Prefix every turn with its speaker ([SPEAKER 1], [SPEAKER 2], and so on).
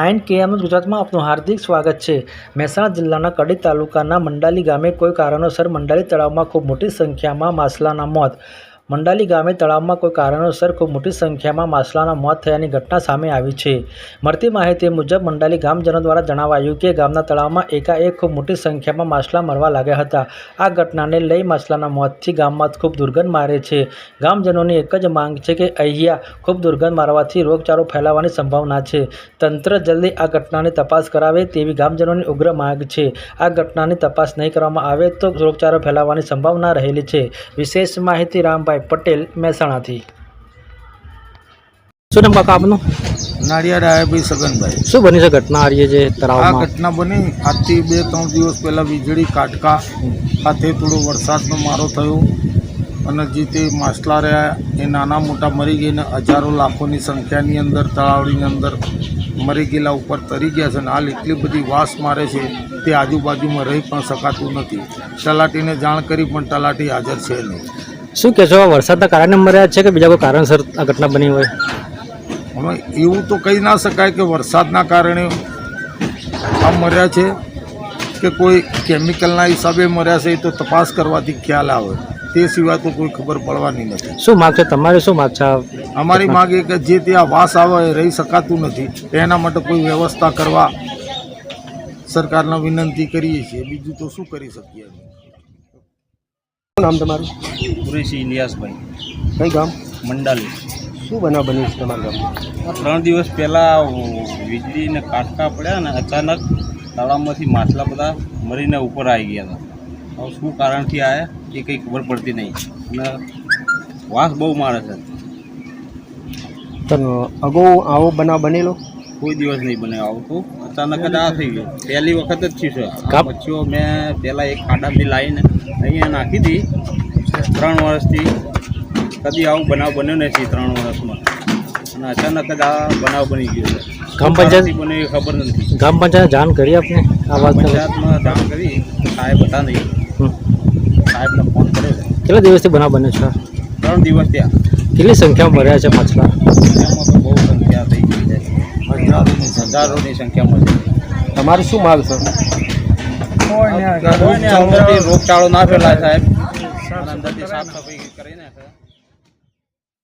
[SPEAKER 1] 9 KM ગુજરાતમાં આપનું હાર્દિક સ્વાગત છે। મહેસાણા જિલ્લાના કડી તાલુકાના મંડાલી ગામે કોઈ કારણોસર મંડાલી તળાવમાં ખૂબ મોટી સંખ્યામાં માછલાના મોત। મંડાલી ગામે તળાવમાં કોઈ કારણોસર ખૂબ મોટી સંખ્યામાં માછલાના મોત થયાની ઘટના સામે આવી છે। મળતી માહિતી મુજબ મંડાલી ગામજનો દ્વારા જણાવાયું કે ગામના તળાવમાં એકાએક ખૂબ મોટી સંખ્યામાં માછલા મરવા લાગ્યા હતા। આ ઘટનાને લઈ માછલાના મોતથી ગામમાં ખૂબ દુર્ગંધ મારે છે। ગામજનોની એક જ માંગ છે કે અહીંયા ખૂબ દુર્ગંધ મારવાથી રોગચાળો ફેલાવાની સંભાવના છે। તંત્ર જલ્દી આ ઘટનાની તપાસ કરાવે તેવી ગામજનોની ઉગ્ર માંગ છે। આ ઘટનાની તપાસ નહીં કરવામાં આવે તો રોગચાળો ફેલાવાની સંભાવના રહેલી છે। વિશેષ માહિતી રામભાઈ પટેલ મહેસાણાથી। શું નામ કાકા આપનું?
[SPEAKER 2] નાળિયાર આયાભાઈ સગનભાઈ।
[SPEAKER 1] શું બની છે ઘટના આ જે તળાવમાં?
[SPEAKER 2] આ ઘટના બની આજથી 2-3 દિવસ પહેલાં વીજળી કાટકા સાથે થોડો વરસાદનો મારો થયો અને જે તે માછલા રહ્યા એ નાના મોટા મરી ગઈને હજારો લાખોની સંખ્યાની અંદર તળાવની અંદર મરી ગયેલા ઉપર તરી ગયા છે અને હાલ એટલી બધી વાસ મારે છે તે આજુબાજુમાં રહી પણ શકાતું નથી। તલાટીને જાણ કરી પણ તલાટી હાજર છે નહીં।
[SPEAKER 1] શું કહેશો, વરસાદના કારણે મર્યા છે કે બીજા કોઈ કારણસર આ ઘટના બની હોય?
[SPEAKER 2] હવે એવું તો કહી ના શકાય કે વરસાદના કારણે આ મર્યા છે કે કોઈ કેમિકલના હિસાબે મર્યા છે, એ તો તપાસ કરવાથી ખ્યાલ આવે, તે સિવાય તો કોઈ ખબર પડવાની નથી।
[SPEAKER 1] શું માગ છે તમારી? શું માગ છે?
[SPEAKER 2] અમારી માગ એ કે જે ત્યાં વાસ આવે એ રહી શકાતું નથી, એના માટે કોઈ વ્યવસ્થા કરવા સરકારને વિનંતી કરીએ છીએ। બીજું તો શું કરી શકીએ?
[SPEAKER 1] શું નામ તમારું?
[SPEAKER 3] કુરેશી ઇલિયાસભાઈ।
[SPEAKER 1] કઈ ગામ?
[SPEAKER 3] મંડાલી।
[SPEAKER 1] શું બનાવ બન્યું છે તમારા ગામમાં?
[SPEAKER 3] 3 દિવસ પહેલાં વીજળીને કાટકા પડ્યા અને અચાનક તળાવમાંથી માછલા બધા મરીને ઉપર આવી ગયા હતા। હવે શું કારણથી આવ્યા એ કંઈ ખબર પડતી નહીં અને વાસ બહુ મારે છે।
[SPEAKER 1] તો અગાઉ આવો બનાવ બનેલો?
[SPEAKER 3] કોઈ દિવસ નહીં બને આવતું, અચાનક જ આ થઈ ગયું। પહેલી વખત જ થયું છે। આ મચ્છીઓ મેં પહેલાં એક ખાડાથી લાવીને અહીંયા નાખી હતી 3 વર્ષથી, કદી આવું બનાવ બન્યો નથી 3 વર્ષમાં અને અચાનક જ આ બનાવ બની ગયો છે।
[SPEAKER 1] ગ્રામ પંચાયત
[SPEAKER 3] બને એ ખબર નથી।
[SPEAKER 1] ગ્રામ પંચાયત જાણ કરી આપને આ વાત?
[SPEAKER 3] પંચાયતમાં જાણ કરી, સાહેબ હતા નહીં, સાહેબને ફોન કર્યો છે।
[SPEAKER 1] કેટલા દિવસથી બનાવ બન્યો છે?
[SPEAKER 3] 3 દિવસ ત્યાં।
[SPEAKER 1] કેટલી સંખ્યામાં મર્યા છે માછલા?
[SPEAKER 3] એમાં તો બહુ સંખ્યા થઈ ગઈ છે, હજારોની સંખ્યામાં છે।
[SPEAKER 1] તમારી શું માગ છે?
[SPEAKER 3] અંદરથી રોગચાળો ના ફેલાય સાહેબ, અંદરથી સાફ સફાઈ